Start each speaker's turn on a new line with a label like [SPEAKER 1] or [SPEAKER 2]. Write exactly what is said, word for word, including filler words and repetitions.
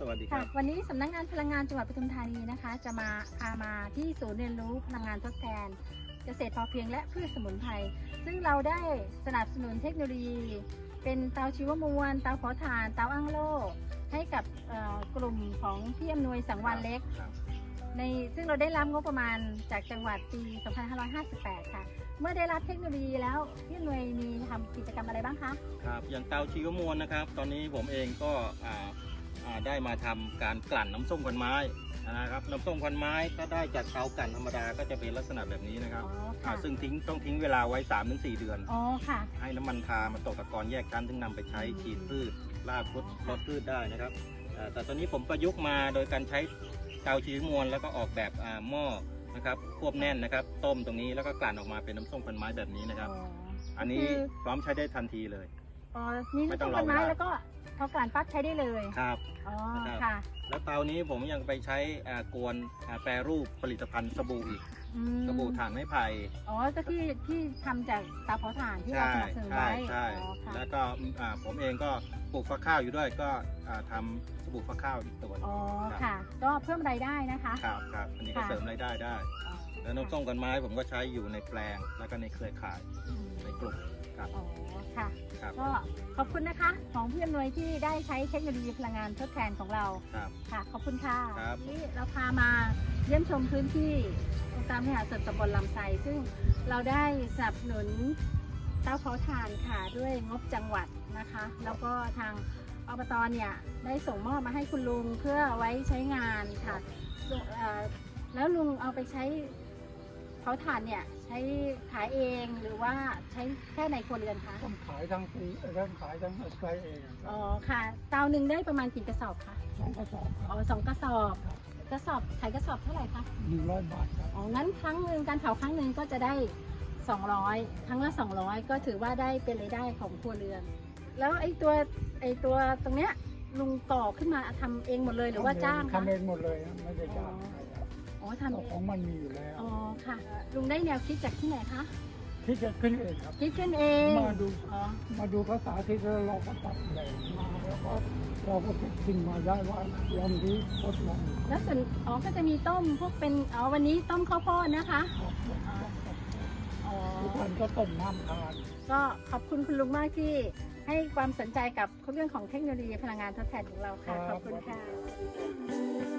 [SPEAKER 1] วัสดีครับ
[SPEAKER 2] วันนี้สำนักงานพลังงานจังหวัดปทุมธานีนะคะจะมาพามาที่ศูนย์เรียนรู้พลังงานทดแทนเกษตรพอเพียงและพืชสมุนไพรซึ่งเราได้สนับสนุนเทคโนโลยี เป็นเตาชีวมวลเตาเผาถ่านเตาอั้งโล่ให้กับกลุ่มของพี่อำนวยสังวรเล็กในซึ่งเราได้รับงบประมาณจากจังหวัดปี สองพันห้าร้อยห้าสิบแปด ค่ะเมื่อได้รับเทคโนโลยีแล้วพี่อำนวยมีทำกิจกรรมอะไรบ้างคะ
[SPEAKER 1] ครับอย่างเตาชีวมวลนะครับตอนนี้ผมเองก็ได้มาทำการกลั่นน้ำส้มควันไม้นะครับน้ำส้มควันไม้ก็ได้จากเตากลั่นธรรมดาก็จะเป็นลักษณะแบบนี้นะครับซึ่งทิ้งต้องทิ้งเวลาไว้ สามถึงสี่ เดือน
[SPEAKER 2] อ๋อค่ะ
[SPEAKER 1] ให้น้ำมันทามาตกตะกอนแยกชั้นถึงนำไปใช้ฉีดพืชรากพืชลดพืชได้นะครับแต่ตอนนี้ผมประยุกต์มาโดยการใช้เตาชีวมวลแล้วก็ออกแบบหม้อนะครับควบแน่นนะครับต้มตรงนี้แล้วก็กลั่นออกมาเป็นน้ำส้มควันไม้แบบนี้นะครับอันนี้พร้อมใช้ได้ทันทีเลย
[SPEAKER 2] อ๋อนี่น้ำส้มควันไม้แล้วก็พอกลั่นปั๊บใช้ได้เลย
[SPEAKER 1] ครับ
[SPEAKER 2] อ๋อค่ะ
[SPEAKER 1] แล้วเตานี้ผมยังไปใช้กวนแปรรูปผลิตภัณฑ์สบู่อีกสบู่ถ่านไม้ไผ่
[SPEAKER 2] อ๋อก็ที่ที่ทำจากเตาเผาถ่านที่เราสนับสนุนไว้
[SPEAKER 1] ใช่แล้วก็ผมเองก็ปลูกฟักข้าวอยู่ด้วยก็ทำสบู่ฟักข้าวอีกตัว
[SPEAKER 2] อ๋อค่ะก็เพิ่มรายได้นะคะ
[SPEAKER 1] ครับครับอันนี้ก็เสริมรายได้ได้แล้วน้ำส้มควันไม้ผมก็ใช้อยู่ในแปลงแล้วก็ในเครือข่ายในกลุ่มครับ
[SPEAKER 2] อ๋อค่ะก็ขอบคุณนะคะของพี่อำนวยที่ได้ใช้เทคโนโลยีพลังงานทดแทนของเราค่ะขอบคุณค่ะที่เราพามาเยี่ยมชมพื้นที่องค์การบริหารส่วนตำบลลำไทรซึ่งเราได้สนับสนุนเตาเผาถ่านค่ะด้วยงบจังหวัดนะคะแล้วก็ทางอบตเนี่ยได้ส่งมอบมาให้คุณลุงเพื่อไว้ใช้งานค่ะแล้วลุงเอาไปใช้เผาถ่านเนี่ยใช้ขายเองหรือว่าใช้แค่ในครัวเรือนคะ
[SPEAKER 3] ต้องขายทั้งปีทั้งขายทั้งใช้เอง
[SPEAKER 2] อ๋อค่ะเตาหนึ่งได้ประมาณกี่กระสอบคะ
[SPEAKER 3] สองกระสอบ
[SPEAKER 2] อ๋อสองกระสอบกระสอบขายกระสอบเท่าไหร่คะ
[SPEAKER 3] หนึ่งร้อยบาทครับ
[SPEAKER 2] อ๋องั้นครั้งหนึ่งการเผาครั้งหนึ่งก็จะได้สองร้อยครั้งละสองร้อยก็ถือว่าได้เป็นรายได้ของครัวเรือนแล้วไอ้ตัวไอ้ตัวตรงเนี้ยลุงก่อขึ้นมาทำเองหมดเลยหรือว่าจ้าง
[SPEAKER 3] ทำเองหมดเลยไม่ได้จ้าง
[SPEAKER 2] อ๋อทำ
[SPEAKER 3] ของมันมีอยู่แล้ว
[SPEAKER 2] อ๋อค่ะลุงได้แนวคิดจากที่ไหนคะ
[SPEAKER 3] คิดจะขึ้นเองครับ
[SPEAKER 2] คิดขึ้นเอง
[SPEAKER 3] มาดูมาดูภาษาที่เราก็ตัดแบบแล้วก็เราก็คิดขึ้นมาได้ว่าลองดีทดลอง
[SPEAKER 2] แล้วส่วนอ๋อก็จะมีต้มพวกเป็นอ๋อวันนี้ต้มข้าวโพดนะคะ
[SPEAKER 3] อ๋อทุกวันก็ต้มน้ำทาน
[SPEAKER 2] ก็ขอบคุณคุณลุงมากที่ให้ความสนใจกับเรื่องของเทคโนโลยีพลังงานทดแทนของเราค่ะขอบคุณค่ะ